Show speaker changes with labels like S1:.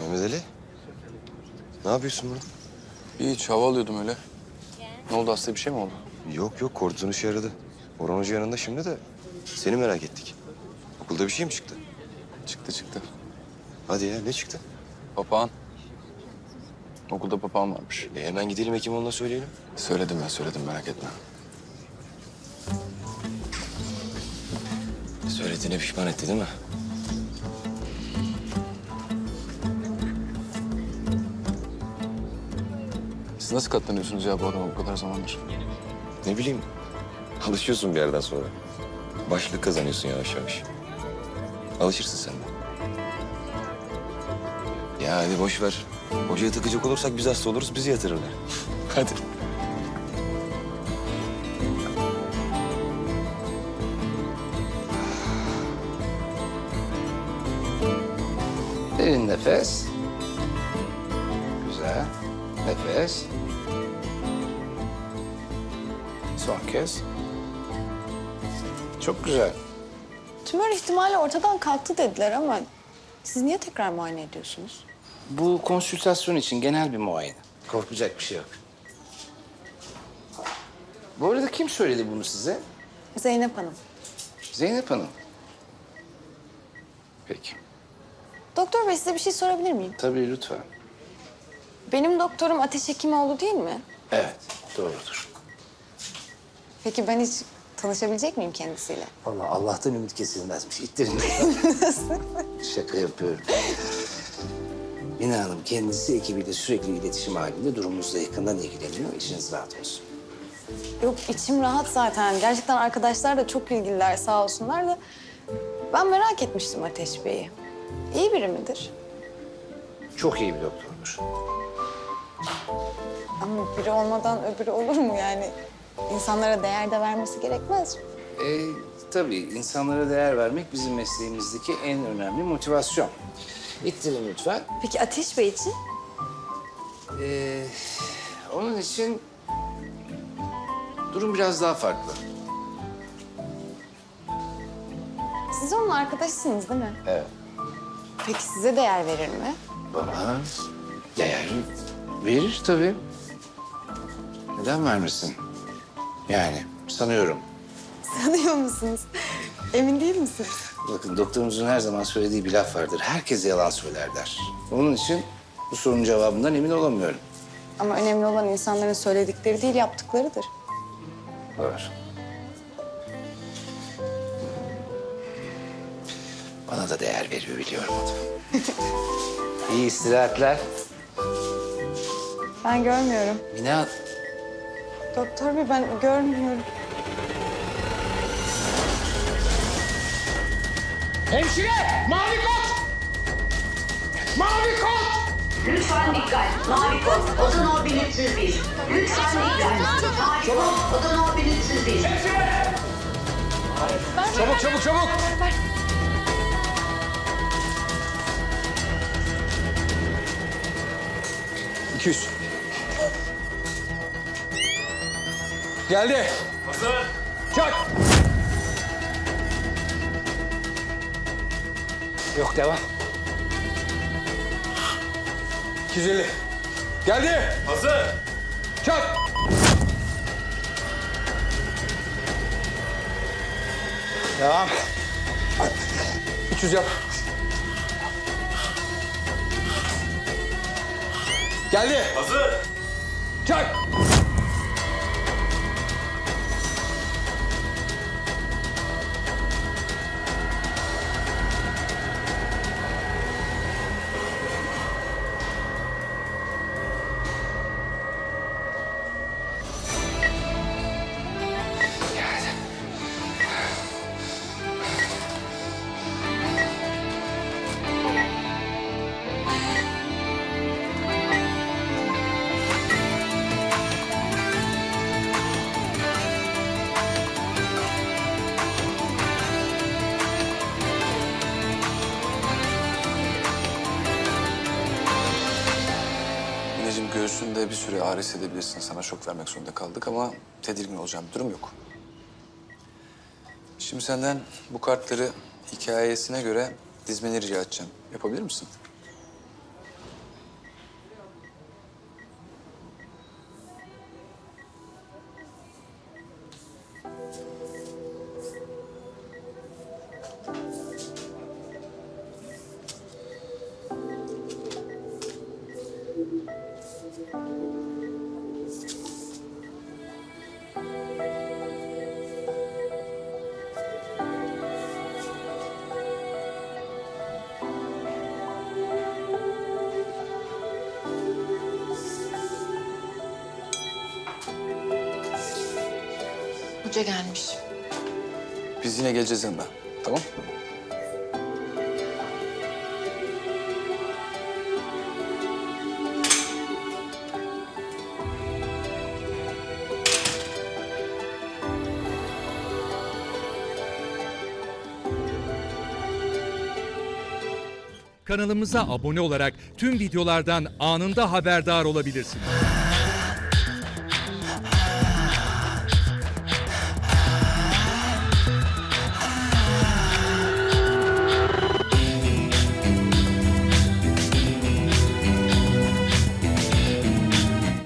S1: Mehmet Ali, ne yapıyorsun burada?
S2: Hiç hava alıyordum öyle. Ne oldu, hasta bir şey mi oldu?
S1: Yok yok, kortizon işe yaradı. Orhan Hoca yanında şimdi de seni merak ettik. Okulda bir şey mi çıktı?
S2: Çıktı.
S1: Hadi ya, ne çıktı?
S2: Papağan. Okulda papağan varmış.
S1: Hemen gidelim Hekimoğlu'na söyleyelim.
S2: Söyledim merak etme.
S1: Söylediğine pişman etti değil mi?
S2: Siz nasıl katlanıyorsunuz ya bu adama bu kadar zamandır?
S1: Ne bileyim, alışıyorsun bir yerden sonra. Başlık kazanıyorsun yavaş yavaş. Alışırsın sen de. Ya hadi boş ver. Hocaya takacak olursak biz hasta oluruz, bizi yatırırlar. Hadi.
S3: Derin nefes. Güzel. Nefes. Son kez. Çok güzel.
S4: Tümör ihtimali ortadan kalktı dediler ama siz niye tekrar muayene ediyorsunuz?
S3: Bu konsültasyon için genel bir muayene. Korkacak bir şey yok. Bu arada kim söyledi bunu size?
S4: Zeynep Hanım.
S3: Zeynep Hanım. Peki.
S4: Doktor bey size bir şey sorabilir miyim?
S3: Tabii lütfen.
S4: Benim doktorum Ateş Hekimoğlu değil mi?
S3: Evet, doğrudur.
S4: Peki ben hiç tanışabilecek miyim kendisiyle?
S3: Vallahi Allah'tan ümit kesilmezmiş. İttirin. Şaka yapıyorum. Mina Hanım kendisi ekibiyle sürekli iletişim halinde, durumunuzla yakından ilgileniyor. İçiniz rahat olsun.
S4: Yok içim rahat zaten. Gerçekten arkadaşlar da çok ilgililer sağ olsunlar da. Ben merak etmiştim Ateş Bey'i. İyi biri midir?
S3: Çok iyi bir doktordur.
S4: Ama biri olmadan öbürü olur mu yani? İnsanlara değer de vermesi gerekmez mi?
S3: Tabii insanlara değer vermek bizim mesleğimizdeki en önemli motivasyon. İttirin lütfen.
S4: Peki Ateş Bey için?
S3: Onun için durum biraz daha farklı.
S4: Siz onun arkadaşısınız değil mi?
S3: Evet.
S4: Peki size değer verir mi?
S3: Bana değer verir tabii. Neden vermesin? Yani sanıyorum.
S4: Sanıyor musunuz? Emin değil misiniz?
S3: Bakın doktorumuzun her zaman söylediği bir laf vardır. Herkes yalan söyler der. Onun için bu sorunun cevabından emin olamıyorum.
S4: Ama önemli olan insanların söyledikleri değil, yaptıklarıdır.
S3: Var. Bana da değer veriyor biliyorum onu. İyi istirahatler.
S4: Ben görmüyorum.
S3: Mina,
S4: Doktor bey ben görmüyorum.
S5: Hemşire! Mavi kot! Mavi kot!
S6: Lütfen dikkat. Mavi kod, oda no 1301. Lütfen dikkat. Mavi kod, oda no 1301.
S5: Hemşire! Çabuk!
S4: Ver.
S2: 200. Geldi.
S5: Hazır.
S2: Çak.
S3: yok devam.
S2: 250. Geldi.
S5: Hazır.
S2: Çak.
S3: Devam.
S2: 300 yap. Geldi.
S5: Hazır.
S2: Çak. Mineciğim göğsünde bir süre ağrı hissedebilirsin. Sana şok vermek zorunda kaldık ama tedirgin olacağım bir durum yok. Şimdi senden bu kartları hikayesine göre dizmeni rica edeceğim. Yapabilir misin?
S7: Hoca gelmiş.
S2: Biz yine geleceğiz yanına. Tamam?
S8: Kanalımıza abone olarak tüm videolardan anında haberdar olabilirsiniz.